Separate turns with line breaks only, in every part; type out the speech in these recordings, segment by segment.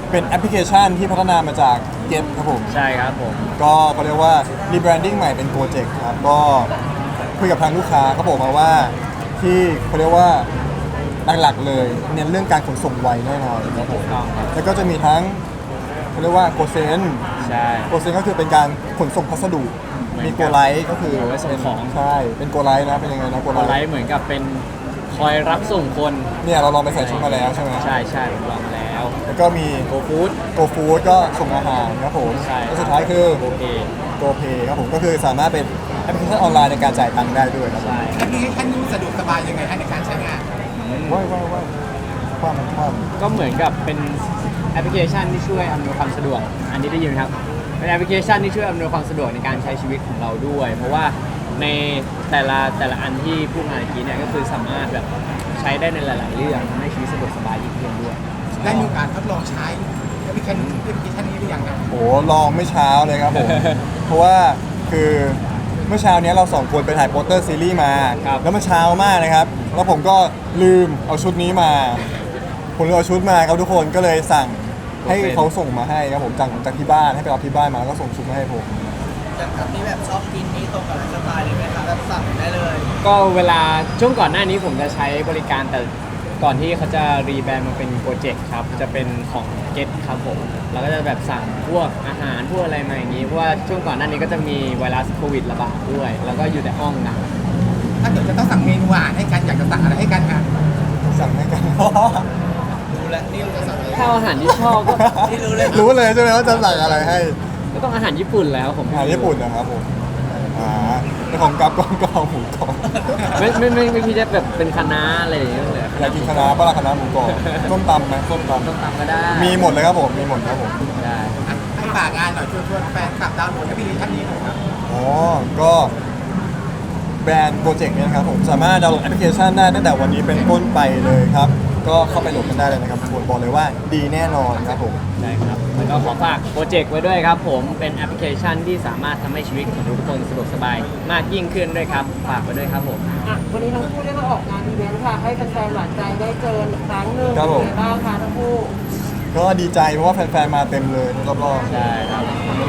เป็นแอปพลิเคชันที่พัฒนามาจาก Get ครับผม
ใช่ครับผม
ก็เขาเรียกว่า rebranding ใหม่เป็นโปรเจกต์ครับก็คุยกับทางลูกค้าเขาบอกมาว่าที่เขาเรียกว่าหลักๆเลยเน้นเรื่องการขนส่งไวแน่นอนครับผมแล้วก็จะมีทั้งเขาเรียกว่าโกเซน
ใช่
โกเซนก็คือเป็นการขนส่งพัสดุมีโกไลท์ก็คือ
ไว้ส่งของ
ใช่เป็นโกไลท์นะเป็นยังไงนะโก
โกไล
ไลท์
ท์เหมือนกับเป็นคอยรับส่งคน
เนี่ยเราลองไปใส่ชุดมาแล้วใช่ไหม
ใช่ใช่ผมลองมาแล้ว
แล้วก็มี
โกฟู้ด
โกฟู้ดก็ส่งอาหารครับผม
ใช่
แล้วสุดท้ายคือ
โอเค
โกเพย์ครับผมก็คือสามารถเป็นแอปพลิเคชันออนไลน์ในการจ่ายตังค์ได้ด้วยครับ
ใช่
แอปพลิเคชันนี้สะดวกสบายยังไงในการใช้งาน
ว้ายความ
ก็เหมือนกับเป็นแอปพลิเคชันที่ช่วยอำนวยความสะดวกอันนี้ได้ยินไหมครับเป็นแอปพลิเคชันที่ช่วยอำนวยความสะดวกในการใช้ชีวิตของเราด้วยเพราะว่าในแต่ละอันที่พูดมาเมื่อกี้เนี่ยก็คือสามารถแบบใช้ได้ในหลายๆเรื่องทำให้ชีวิตสะดวกสบายยิ่งขึ้นด้วย
ได้มีโอกาสทดลองใช้แอปพลิเคชันนี้หรือยังครับ
โอ้ลองไม่เช้าเลยครับผม เพราะว่าคือเมื่อเช้านี้เราสองคนไปถ่ายโปสเตอร์ซีรีส์มาแล้วมันเช้ามากนะครับแล้วผมก็ลืมเอาชุดนี้มาผมเลยเอาชุดมาครับทุกคนก็เลยสั่งให้เขาส่งมาให้ครับผมจากที่บ้านให้ไปรับที่บ้านมาแล้วก็ส่งชุดมาให้ผม
อย่างครับนี่แบบชอบกินนี่ตรงกับไลฟ์สไตล์เลยไหมครับแบบสั่งได้เลย
ก็เวลาช่วงก่อนหน้านี้ผมจะใช้บริการแต่ก่อนที่เขาจะรีแบรนด์มาเป็นโปรเจกต์ครับจะเป็นของ Get ครับผมเราก็จะแบบสั่งพวกอาหารพวกอะไรมาอย่างนี้เพราะว่าช่วงก่อนหน้านี้ก็จะมีไวรัสโควิดระบาดด้วยแล้วก็อยู่แต่ห้องนะ
ถ้าเกิดจะต้องสั่งเมนูอาหารให้กันอยากจะสั่งอะไรให้กันครับ
สั่งให้กัน
รู้แล้วนี่รู้จะสั่งอะไร
ถ้าอาหารที่ชอบก็
นี่รู้เลย
รู้เลยใช่ไหมว่าจะสั่งอะไรให้
ก็ต้องอาหารญี่ปุ่นแล้วผม
อาหารญี่ปุ่นนะครับผมในของกับก็เอาหมูกรอบ
ไม่พี่จะแบบเป็นคะน้าอะไรอย่างเงี้ยเลย
อยากกินคะน้าปลาคะน้าหมูกรอบส้มตำไหมส้มต
ำก็ได้
มีหมดเลยครับผมมีหมดครับผม
ได้
ให้ฝากงานหน่อยชวนแฟนคลับดาวน์โหลดแอปพลิเคชันนี้หน่อยครับ
อ๋อก็แบรนด์โปรเจกต์นี้นะครับผมสามารถดาวน์โหลดแอปพลิเคชันได้ตั้งแต่วันนี้เป็นต้นไปเลยครับก็เข้าไปโหลดกันได้เลยนะครับชวนบอกเลยว่าดีแน่นอนครับผม
ใช่ครับแล้วก็ขอฝากโปรเจกต์ไว้ด้วยครับผมเป็นแอปพลิเคชันที่สามารถทำให้ชีวิตของทุกคนสะดวกสบายมากยิ่งขึ้นด้วยครับฝากไว้ด้วยครับผม
วันนี้ทั้งคู่ได้มาออกงานอีเวนต์ค่ะให้แฟนๆหวานใจได้เจออีกครั้งหนึ่งเป็นไงบ้างคะทั้งคู่
ก็ดีใจเพราะว่าแฟนๆมาเต็มเลยรอบ
ๆใช่ครับ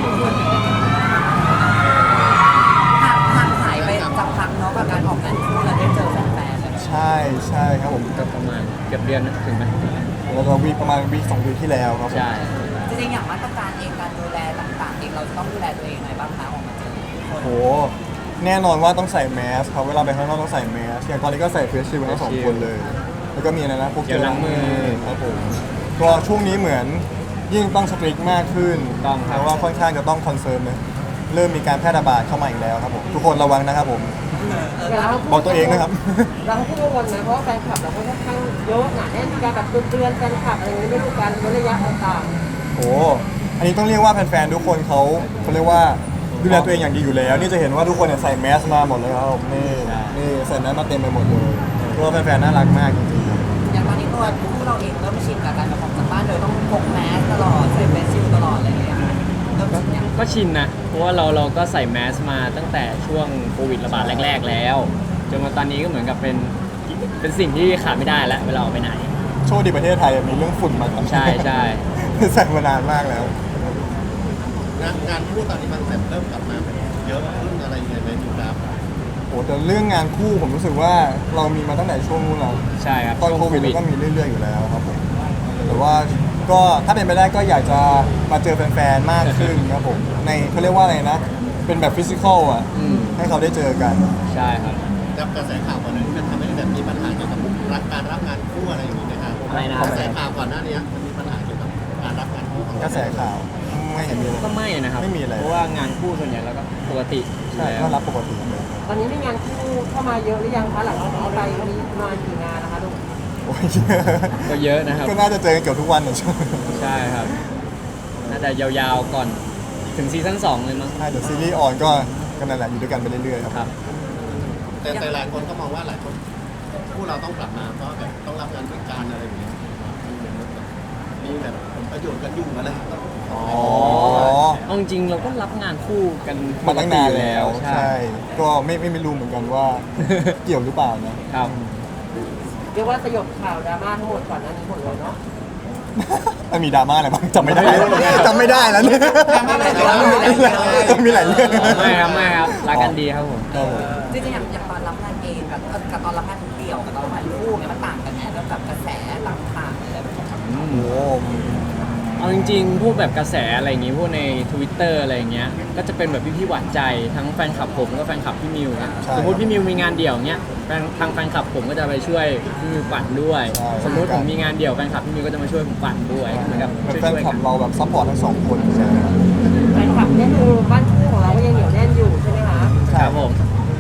ห่างหายไปสักพักเนาะกับการออกงานคู่แล้วได้เจอแฟนๆ
ใช่ครับผม
ก็ประมาณเกือบเดือนนะถึงไหม
แล้วก็ประมาณวีค2 วีคที่แล้วครับ
ใช่
จริงๆอย่างมาตรการเองการดูแลต่างๆเองเราจะต้องดูแลตัวเองยังไงบ้างคะออกมาเจอ
โหแน่นอนว่าต้องใส่แมสครับเวลาไปข้างนอกต้องใส่แมสอย่างตอนนี้ก็ใส่เฟสชิลด์ทั้ง2 คนเลยแล้วก็มีอะไรนะพวกเจลล้างมือครับผมก็ช่วงนี้เหมือนยิ่งต้องสตริกมากขึ้นเพราะว่าค่อนข้างจะต้องคอนเซิร์นเลยเริ่มมีการแพร่ระบาดเข้ามาอีกแล้วครับผมทุกคนระวังนะครับผมบอกตัวเองนะครับ
เราพูดกันนะเพราะแฟนคลับเราค่อนข้างเยอะหนาแน่นมีการแบบเตือนแฟนคลับอะไรอย่างนี้ไม่รู้การเว้นระยะต่าง
ๆโอ้อันนี้ต้องเรียกว่าแฟนๆทุกคนเขาเรียกว่าดูแลตัวเองอย่างดีอยู่แล้วนี่จะเห็นว่าทุกคนเนี่ยใส่แมสมาหมดเลยครับนี่ใส่แมสมาเต็มไปหมดเลยเพราะว่าแฟนๆน่ารักมากจริงๆครับ
อย่างตอนนี้ตัวเราเองเริ่มชินกับการออกจากบ้านโดยต้องพกแมสตลอดใส่เฟสชิลตลอดอะไรอย่างเงี้ย
ก็ชินนะเพราะว่าเราก็ใส่แมสมาตั้งแต่ช่วงโควิดระบาดแรกๆแล้วจนมาตอนนี้ก็เหมือนกับเป็นสิ่งที่ขาดไม่ได้แล้วเวลาออกไปไหน
โชคดีประเทศไทยมีเรื่องฝุ่นมา
ใช่ใช่
ใส่มานานมากแล้ว
งานคู่ตอนนี้มันเริ่มกลับมาเยอะขึ้นอะไรยังไงไหมครับ
โอ้แต่เรื่องงานคู่ผมรู้สึกว่าเรามีมาตั้งแต่ช่วงนู้นแล้ว
ใช่ครับ
ตอนโควิดก็มีเรื่อยๆอยู่แล้วครับผมแต่ว่าก็ถ้าเป็นไปได้ก็อยากจะมาเจอแฟนๆมากขึ้นครับผมในเขาเรียกว่าอะไรนะเป็นแบบฟิสิกอลอ่ะให้เขาได้เจอกัน
ใช่ครับ
กับกระแสข่าวก่อนหน้านี้มันทำให้แบบมีปัญหาเกี่ยวกับการรับงานคู่อะไรอย่างนี้นะครับ
อะไรนะ
กระแสข่าวก่อนหน้านี้มันมีปัญหาเกี่ยวกับการรับงานคู่
กระแสข่าวไม่เห็นมี
ก็ไม่นะครับ
ไม่มีอะไร
เพราะว่างานคู่ส่วนใหญ่แล้วก็ปกติ
ใช่ก็รับปกติเลย
ตอนนี้มีงานคู่เข้ามาเยอะหรือยังคะหลังจากนี้ไปมีมากี่งานนะคะลูก
ก็เยอะนะครับ
ก็น่าจะเจอกันเกือบทุกวันเลย
ใช่ครับน่าจะยาวๆก่อนถึงซีซั่น2เลยมั้ง
ใช่เดี๋ยวซีรีส์ออนก็นั่นแหละอยู่ด้วยกันไปเรื่อยๆครับ
แต่หลายคนก็มองว่าหลายคนผู้เราต้องกลับมาเพราะแบบต้องรับงานด้วยกันอะไรอย่างเงี้ยมีแบบผลประโยชน์กันยุ่งอะไร
อ๋อเอาจริงเราก็รับงานคู่กัน
มาตั้งนานแล้วใช่ก็ไม่รู้เหมือนกันว่าเกี่ยวหรือเปล่านะครับ
เรียกว่าสยบข่าวดราม่าทั้งหมดก่อนหน้านี้หมดเลยเนาะ
มันมีดราม่าอะไรบ้างจำไม่ได้จำไม่ได้แล้วเนี่ยมีหลายเรื่อง
ไม่ครับรักกันดีครับผม
ครับผม
จริงๆอย่างตอนรับงานเองกับตอนรับงานเดี่ยวกับตอนรับงานคู่เนี่ยมันต่างกันไหมแล้วกับกระแสต่างๆอะไรแบบนี้
โอ้โห
เอาจริงๆพวกแบบกระแสอะไรอย่างงี้พวกใน Twitter อะไรอย่างเงี้ยก็จะเป็นแบบพี่ๆหวานใจทั้งแฟนคลับผมแล้วก็แฟนคลับพี่มิวนะสมมติพี่มิวมีงานเดี่ยวเงี้ยทางแฟนคลับผมก็จะไปช่วยพี่มิวปั่นด้วย สมมติผมมีงานเดี่ยวแฟนคลับพี่มิวก็จะมาช่วยผมปั่นด้วยเหมือนกับ
เป็น
ช่วย
แฟน
ๆ
คลั
กับ น
เราแบบซัพพอร์ตทั้งสองคนใช่ไหมครับ
แฟนคลับเนี่ยคือบ้านคู่ของเราก็ยังเหนียวแน่นอยู่ใช่ไหมคะ
ครับผม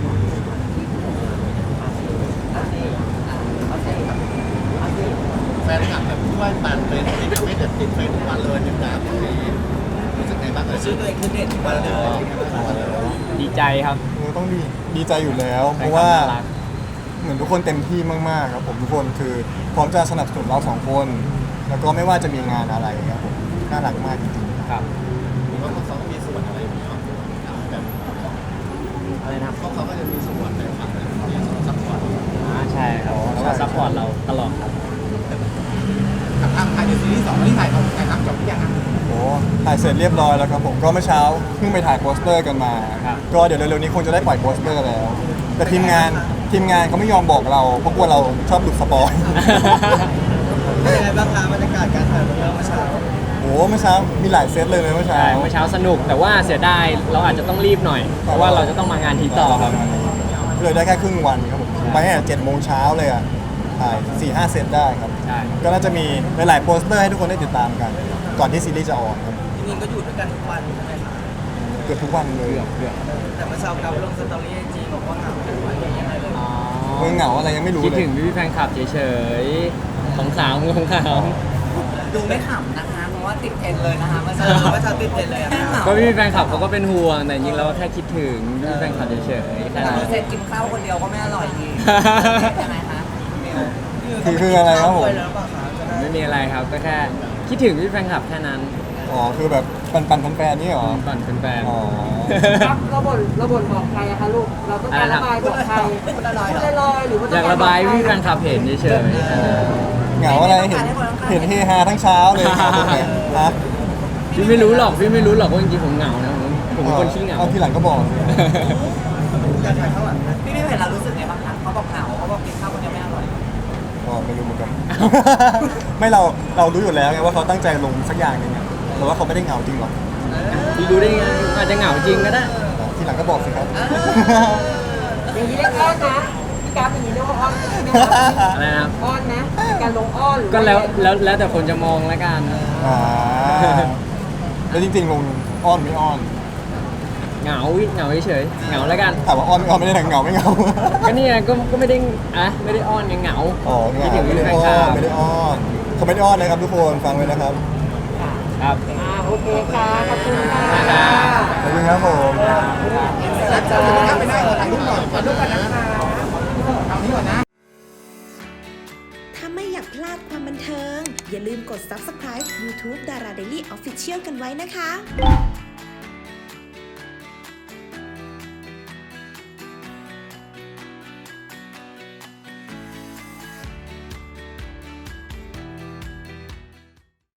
แฟนคลับแบบช่วยปั่นเป็นติดไม่แบบติดเทรนด์ทุกวันเลยติดตามอย่างนี้รู้สึกไงบ้างชื่อตัวเองคือเด็ดวันเลย
ดีใจครับ
ต้องดีใจอยู่แล้ว เพ
แฟน
ราะ
คลับ
ว่า
น่ารัก
เหมือนทุกคนเต็มที่มากๆครับผมทุกคนคือพร้อมจะสนับสนุนเราสองคน แล้วก็ไม่ว่าจะมีงานอะไรครับผมน่ารักมากจริง
ครับ
หรือว่าเขาก็มีส่วนอะไรอย่างเงี้ยแบบ
อะไรนะครับ
เขาก็จะมีส่วนในฝั่งที่ซัพพอร์ต
ใช่ครับแล้วก็ซัพพอร์ตเราตลอดครับ
ทางในซีรีส์2ที่ถ่ายทำจบหรือยัง
ๆโอ้ถ่ายเสร็จเรียบร้อยแล้วครับผมก็เมื่อเช้าเพิ่งไปถ่ายโปสเตอร์กันมา ก็เดี๋ยวเร็วๆนี้คงจะได้ปล่อยโปสเตอร์แล้ว แต่ทีมงานเขาไม่ยอมบอกเราเพราะกลัวเราชอบหลุดสปอย
เป็นยังไงบ้างคะบรรยากาศการถ่ายเมื่อเช้า
โอ้เมื่อเช้ามีหลายเซตเลยนะเมื่อเช้า
ใช่เมื่อเช้าสนุกแต่ว่าเสียดายเราอาจจะต้องรีบหน่อย เพราะว่าเราจะต้องมางานทีต่อครับ
เลยได้แค่ครึ่งวันครับผมไปตั้งแต่7 โมงเช้าเลยอ่ะถ่าย 4-5 เซตได้ครับ
ใช่
ก็น่าจะมีหลายๆโปสเตอร์ให้ทุกคนได้ติดตามกัน ก่อนที่ซีรีส์จะออนครับ
จริงๆก็อยู่ด้วยกันทุกวันใช่ไหมคะ
เกือบทุกวันเลย
เกือบ
แต่เมื่อเช้ากับลงสตอรี่ไอจีบอกว่าเหงากันวันยังไงเลย
อ๋อ
มึงเหงาอะไรยังไม่รู้
คิด
เลย
ถึงพี่ๆแฟนคลับเฉยๆของสาวของขาว
ดูไม่ขำนะคะเพราะว่าติดเทรนด์เลยนะคะเมื่อ
เอ
เช้า
อเมื่อเช้าติดเทรนด์เลยอะ
แค่เหงา
ก็พี่ๆแฟนคลับเขาก็เป็นห่วงแต่จริงๆเราก็แค่คิดถึงพี่ๆแฟนคลับเฉยๆแค่
แต่
นั้น
เราเสร็จกินข้าวคนเดียวก็ไม่อร่อยดียังไงคะเมล
คืออะไรครับผม
ด้วยแล้วเปล่าคะจะได้
ไม่มีอะไรครับก็แค่คิดถึงพี่ๆแฟนคลับแค่นั้น
อ๋อคือแบบปันแฟนๆนี่เหรอ
ก่อนเป็นแฟน
อ๋อ
ครับเราบ่นบอกใครอะคะลูกเราต้องการระบายบอกใครพูดลอยๆหรือว่า
อยากระบายพี่ๆแฟนคลับเห็นเฉยๆแค่นั้น
เหงาอะไรเห็นเฮฮาทั้งเช้าเลยครับผมเนี่ยฮะ
พี่ไม่รู้หรอกว่าจริงๆผมเหงานะผมเป็นคนขี้เหงา
เอาทีหลังก็บอกสิ
อยากถ่ายข้างหลังนะ
พี่ไม่เห็นเรารู้สึกไงบ้างคะเขาบอกเหงาเขาบอกกินข้าวคนเดียวไม่อร่อย
ก็ไม่รู้เหมือนกัน ไม่เรารู้อยู่แล้วไงว่าเขาตั้งใจลงสักอย่างหนึงอะแต่ว่าเขาไม่ได้เหงาจริงหรอก
พี่รู้ได้ไงอาจจะเหงาจริงก็ได้
ทีหลังก็บอกสิครับ
อย่างนี้เรียกอ้อนนะพี่กราฟอย่างนี้เรียกว่าอ้อนใช่ไหมคะ
อะไรนะครับ
อ้อนนะการลงอ้อนหรือ
ก็แล้วแต่คนจะมองแล้วกัน
อ่าแล้วจริงๆลงอ้อนไม่อ้อน
เหงาเฉยๆเหงาแล้วกัน
ถามว่าอ้อนไม่อ้อนไม่ได้เหงาไม่เหงา
ก็เนี่ยก็ไม่ได้ไม่ได้อ้อนยังเหงา
อ๋อเห
คิด
งา
ถึง
ไม่
พี่
ได้
แฟน
อ้
ค
อ
ลั
น
บ
ไม่ได้อ้อนเขาไม่ได้อ้อนนะครับทุกคนฟังไว้นะครับ
ครับ
โอเคค่ะขอบคุณค่ะ
ขอบคุณครับผม
ถ้าไม่อยากพลาดความบันเทิง อย่าลืมกด subscribe YouTube Dara Daily Official กันไว้นะคะ